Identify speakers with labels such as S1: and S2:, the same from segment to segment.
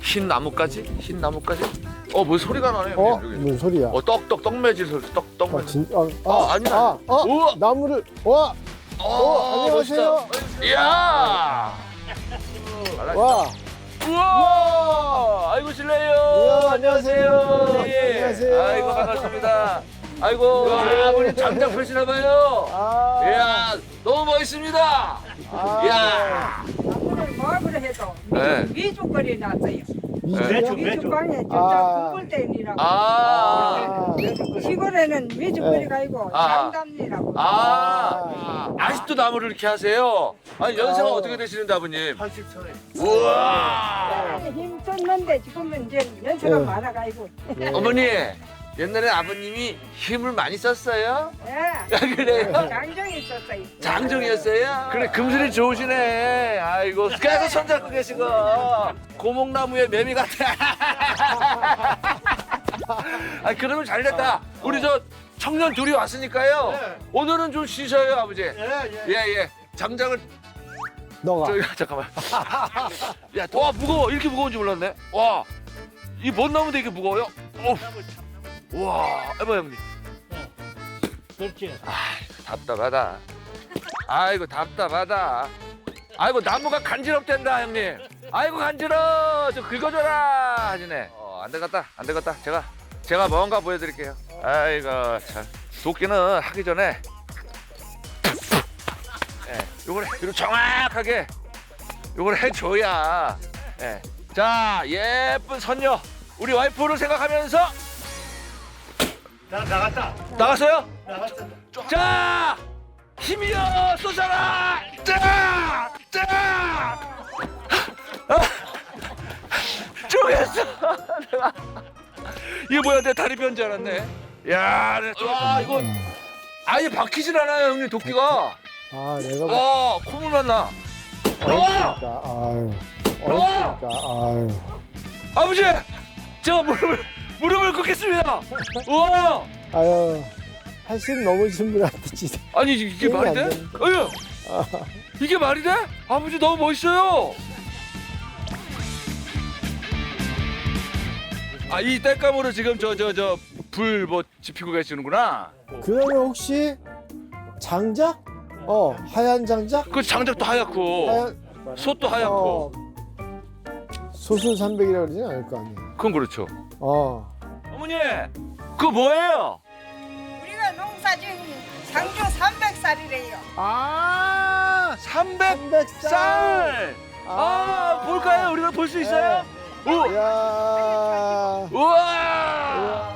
S1: 흰 나뭇가지? 흰 나뭇가지? 뭐 소리가 나네. 여기.
S2: 무슨 소리야?
S1: 떡매질 소리. 떡 매질. 아니야. 우와.
S2: 나무를 안녕하세요.
S1: 멋있다. 이야.
S2: 와.
S1: 우와. 아이고 실례요.
S2: 우와, 안녕하세요.
S1: 예.
S2: 안녕하세요.
S1: 아이고 반갑습니다. 아이고 아버님 장작 펴시나 봐요. 이야 너무 멋있습니다. 이야.
S3: 나무를 뭐하러 해도
S1: 네.
S3: 미주거리 났어요.
S2: 미주요?
S3: 미주방에
S2: 아.
S3: 전자 구불대니라고.
S1: 아.
S3: 시골에는 미주거리가 아니고
S1: 아.
S3: 장담리라고.
S1: 아직도 나무를 이렇게 하세요? 아니 연세가 어떻게 되시는데 아버님?
S4: 80초에.
S1: 우와.
S3: 힘썼는데 지금은 이제 연세가
S2: 네.
S3: 많아가지고.
S1: 어머니 옛날에 아버님이 힘을 많이 썼어요?
S3: 예.
S1: 그래요?
S3: 장정이 있었어요.
S1: 장정이었어요? 그래 금슬이 좋으시네. 아이고 계속 손잡고 계시고 고목나무에 매미 같아. 아 그러면 잘 됐다. 우리 저 청년 둘이 왔으니까요.
S4: 네.
S1: 오늘은 좀 쉬셔요 아버지.
S4: 예.
S1: 예. 장작을
S2: 너가.
S1: 저기 잠깐만. 야, 와 무거워. 이렇게 무거운지 몰랐네. 와, 이 뭔 나무인데 이게 무거워요? 와, 해봐 형님.
S4: 그렇지.
S1: 답답하다. 아이고 답답하다. 아이고 나무가 간지럽댄다 형님. 아이고 간지러. 좀 긁어줘라 하시네. 안 되겠다. 제가 뭔가 보여드릴게요. 아이고 참. 도끼는 하기 전에. 요걸 이렇게 정확하게 요걸 해줘야. 자 예쁜 선녀 우리 와이프를 생각하면서
S4: 나갔다.
S1: 나갔어요?
S4: 나갔다.
S1: 자 힘이여 쏘잖아. 자 쪼겠어. 내가 이게 뭐야 내 다리 변줄 알았네. 야, 와 이거 아예 박히질 않아요 형님 도끼가.
S2: 내가
S1: 와 콧물만 나.
S2: 어렵니까? 아유. 어렵니까? 아유.
S1: 아버지 제가 무릎을 꿇겠습니다. 우와
S2: 아유. 80 넘으신 분한테 진짜.
S1: 아니 이게
S2: 힘이
S1: 말이
S2: 안
S1: 돼?
S2: 되는데.
S1: 이게 말이 돼? 아버지 너무 멋있어요. 이 땔감으로 지금 저 불 뭐 지피고 계시는구나.
S2: 그러면 혹시 장작? 하얀 장작?
S1: 그 장작도 하얗고
S2: 하얀
S1: 솥도 하얗고.
S2: 소수 300이라고 그러진 않을 거 아니에요.
S1: 그건 그렇죠. 어머니 그거 뭐예요?
S3: 우리가 농사진 상주 300살이래요.
S1: 300쌀. 볼까요? 우리가 볼 수 있어요? 오.
S2: 이야.
S1: 우와.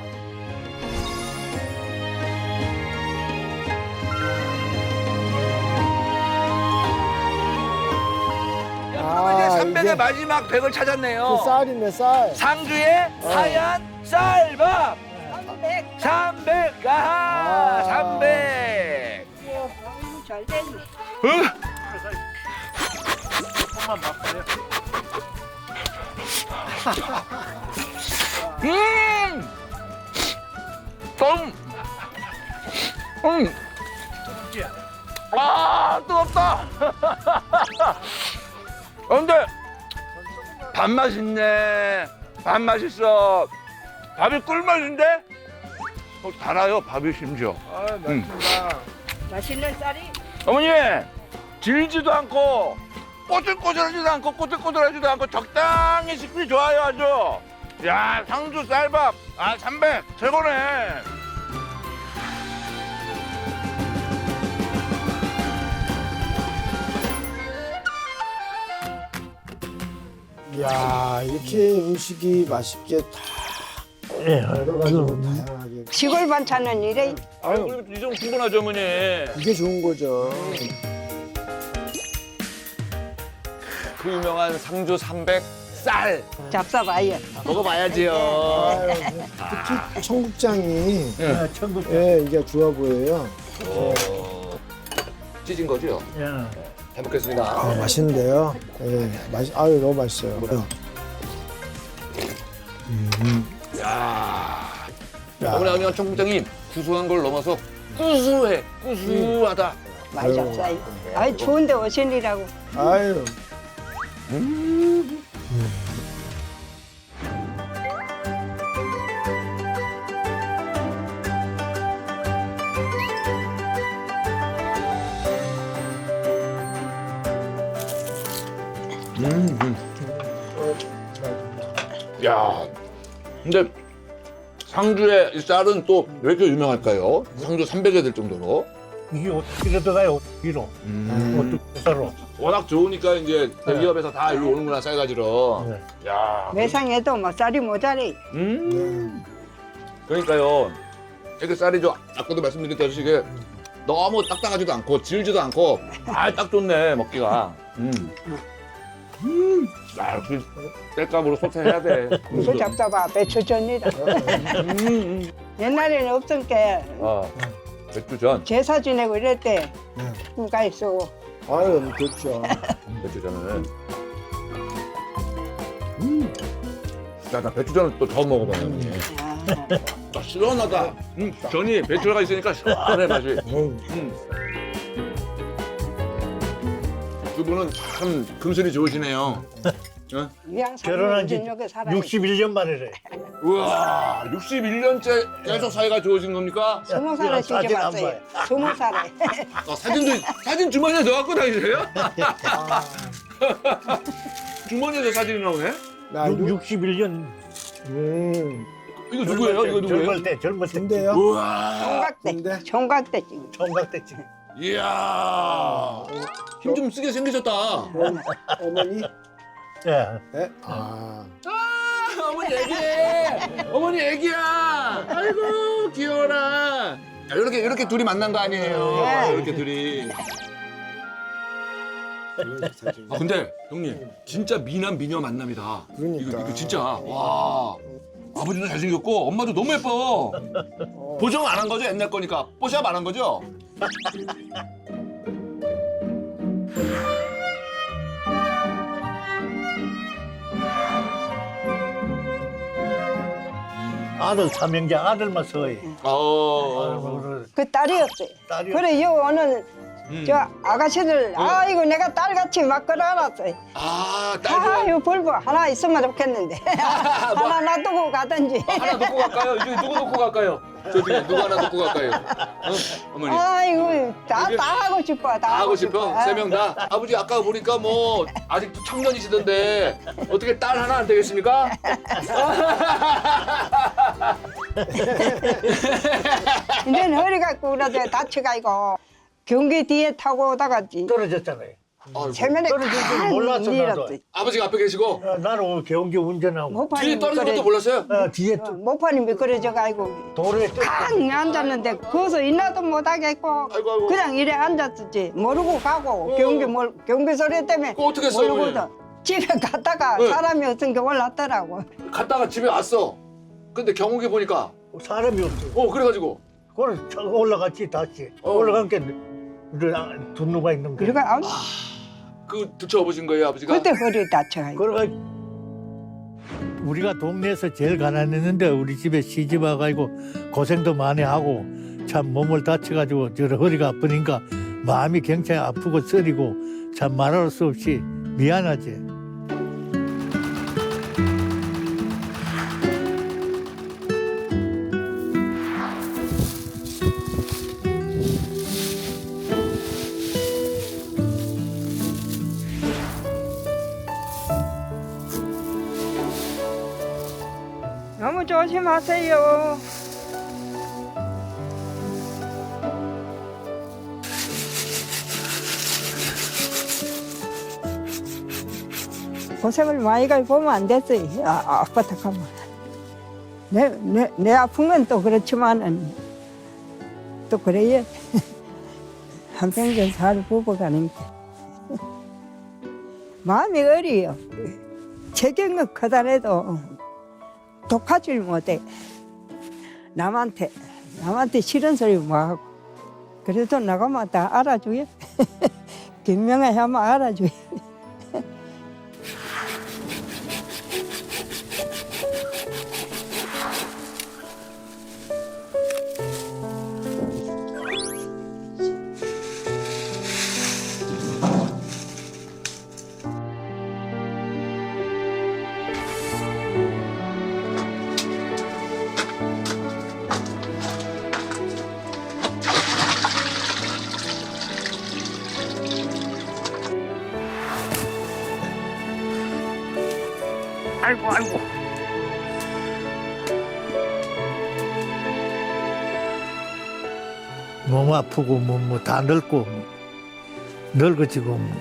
S1: 이제 300의
S2: 이게
S1: 마지막 100을 찾았네요.
S2: 그 쌀이네, 쌀.
S1: 상주의 하얀 쌀밥
S3: 300.
S1: 300. 300.
S3: 잘 되니.
S4: 조금만 맛보세요.
S1: 뜨겁다. 근데 밥맛 있네. 밥 맛있어. 밥이 꿀맛인데? 달아요 밥이 심지어.
S2: 맞습니다.
S3: 맛있는 쌀이
S1: 어머니 질지도 않고 꼬들꼬들하지도 않고 꼬들꼬들하지도 않고 적당히 식비 좋아요 아주. 야 상주 쌀밥 300 최고네.
S2: 이야, 이렇게 음식이 맛있게 다 여러 가지로 다양하게.
S3: 시골 반찬은 이래.
S1: 아유 이 정도 충분하죠 어머니.
S2: 이게 좋은 거죠.
S1: 그 유명한 상주 300 쌀
S3: 잡숴봐요.
S1: 먹어봐야지요.
S2: 아유, 특히 청국장이
S4: 천국.
S2: 이게 좋아 보여요.
S1: 찢은 거죠?
S4: 야.
S1: 잘 먹겠습니다.
S2: 맛있는데요. 아유, 너무 맛있어요.
S1: 어머니 청국장이 구수한 걸 넘어서 구수하다.
S3: 많이 잡숴요. 아이 좋은데 오신이라고.
S2: 아유.
S1: 야, 근데 상주의 이 쌀은 또 왜 이렇게 유명할까요? 상주 300여 될 정도로.
S4: 이게 어떻게 들어가요? 1kg. 어떻게 썰어?
S1: 워낙 좋으니까 이제 대기업에서 다 일로 오는구나 쌀가지로.
S4: 네.
S1: 야,
S3: 매상해도 뭐 쌀이 모자래.
S1: 그러니까요. 이렇게 쌀이 좀 아까도 말씀드렸다시피 이게 너무 딱딱하지도 않고 질지도 않고 딱 좋네 먹기가. 야, 역시 쌀값으로 소태해야 돼.
S3: 이거 잡숴봐 배추전이라. 옛날에는 없으니까
S1: 맥주전.
S3: 제사 지내고 이럴 때 누가 있어.
S2: 아유, 좋죠.
S1: 배추전은. 야, 나 배추전을 또 처음 먹어봐요. 형님. 아, 시원하다. 전이 배추가 있으니까 시원해 맛이. 두 분은 참 금슬이 좋으시네요. 어?
S4: 결혼한 지 61년 만이래.
S1: 우와, 61년째 계속 사이가 좋으신 겁니까?
S3: 20살에 시집
S4: 사진 안
S3: 왔어요. 20살에.
S1: 사진 주머니에 넣어갖고 다니세요? 주머니에서 사진이 나오네?
S2: 나
S4: 61년.
S1: 이거 누구예요? 이거 누구예요?
S4: 젊을 때.
S2: 근데요?
S1: 우와,
S3: 총각대.
S2: 근데?
S3: 총각대 지금.
S4: 총각 때 지금.
S1: 이야, 힘 좀 쓰게 생기셨다.
S2: 어머니?
S4: 예.
S2: 네? 아,
S1: 어머니 애기해. 어머니 애기야. 아이고 귀여워라. 이렇게 둘이 만난 거 아니에요?
S3: 네.
S1: 이렇게 둘이. 아 근데 형님 진짜 미남 미녀 만남이다.
S2: 그러니까.
S1: 이거 진짜 와. 아버지도 잘생겼고 엄마도 너무 예뻐. 보정 안 한 거죠? 옛날 거니까 뽀샵 안 한 거죠?
S4: 아들 삼형제 아들만 서해.
S3: 그 딸이 없어요.
S4: 딸이
S3: 그래 요 오늘 저 아가씨들 아이고 내가 딸같이 막 끌어안았어요.
S1: 아 딸.
S3: 아유 벌보 하나 있으면 좋겠는데 하나 놔두고 가든지.
S1: 하나 놓고 갈까요? 이쪽에 누구 놓고 갈까요? 저쪽에 누구 하나 놓고 갈까요? 어머니.
S3: 아이고 다 하고 싶어.
S1: 다 하고 싶어? 세 명 다? 아버지 아까 보니까 뭐 아직도 청년이시던데 어떻게 딸 하나 안 되겠습니까?
S3: 이제는 허리가 구부러져 다쳐가지고 경기 뒤에 타고 오다가
S4: 떨어졌잖아요.
S3: 세면에
S4: 떨어질 줄
S3: 칸
S4: 몰랐어,
S3: 밀었어.
S4: 나도.
S1: 아버지가 앞에 계시고
S4: 나는 경기 운전하고
S1: 뒤에
S3: 모판이
S1: 떨어진 것도 몰랐어요?
S4: 뒤에
S3: 모판이 미끄러져가지고
S4: 도로에
S3: 깡 앉았는데 거기서 인나도 못하겠고
S1: 아이고.
S3: 그냥 이래 앉았었지 모르고 가고 경비 소리 때문에
S1: 그거 어떻게 했어요,
S3: 모르고도 집에 갔다가
S1: 네.
S3: 사람이 없으니까 올랐더라고.
S1: 갔다가 집에 왔어. 근데 경욱이 보니까
S4: 사람이 없어.
S1: 그래가지고
S4: 그걸 올라갔지 다시. 올라간 게 분노가 있는 거야.
S3: 그러니까
S1: 그 들쳐업으신 거예요 아버지가?
S3: 그때 허리 다쳐가지고.
S4: 그래가 우리가 동네에서 제일 가난했는데 우리 집에 시집 와가지고 고생도 많이 하고 참 몸을 다쳐가지고 저 허리가 아프니까 마음이 굉장히 아프고 쓰리고 참 말할 수 없이 미안하지.
S3: 너무 조심하세요. 고생을 많이 가지고 보면 안 됐어요. 아파트 가면. 내 아픈 건 또 그렇지만은 또 그래야 한평생 살 부부가니까. 마음이 어려요. 책임은 커다래도 독하질 못해. 남한테 싫은 소리 뭐 하고. 그래도 나가면 다 알아줘요. 김명아 하면 알아줘요.
S1: 아이고 아이고.
S4: 몸 아프고 뭐 다 늙고 뭐. 늙어지고 뭐.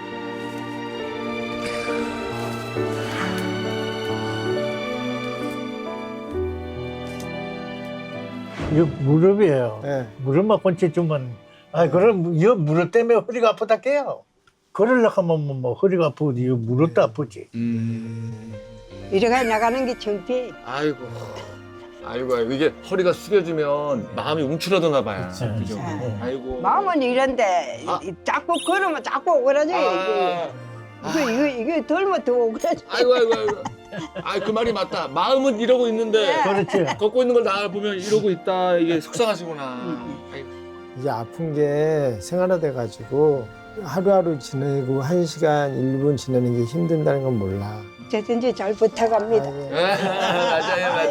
S4: 이거 무릎이에요.
S2: 네.
S4: 무릎만 건체주면 그럼 이 무릎 때문에 허리가 아프다 해요. 걸으려고 하면 뭐 허리가 아프고 이 무릎도 아프지.
S3: 이래가 나가는 게 창피해.
S1: 아이고. 아이고 이게 허리가 숙여지면 마음이 움츠러드나 봐요.
S4: 네.
S1: 그죠?
S3: 네.
S1: 아이고.
S3: 마음은 이런데
S1: 아.
S3: 자꾸 걸으면 자꾸 오그라져. 이게 덜면 더 오그라져.
S1: 아이고. 그 말이 맞다. 마음은 이러고 있는데
S4: 그렇지.
S1: 걷고 있는 걸 나 보면 이러고 있다. 이게 속상하시구나. 아이고.
S2: 이제 아픈 게 생활화돼 가지고 하루하루 지내고 1시간 1분 지내는 게 힘든다는 건 몰라.
S3: 제든지 잘 부탁합니다.
S2: 아이고.
S1: 맞아요.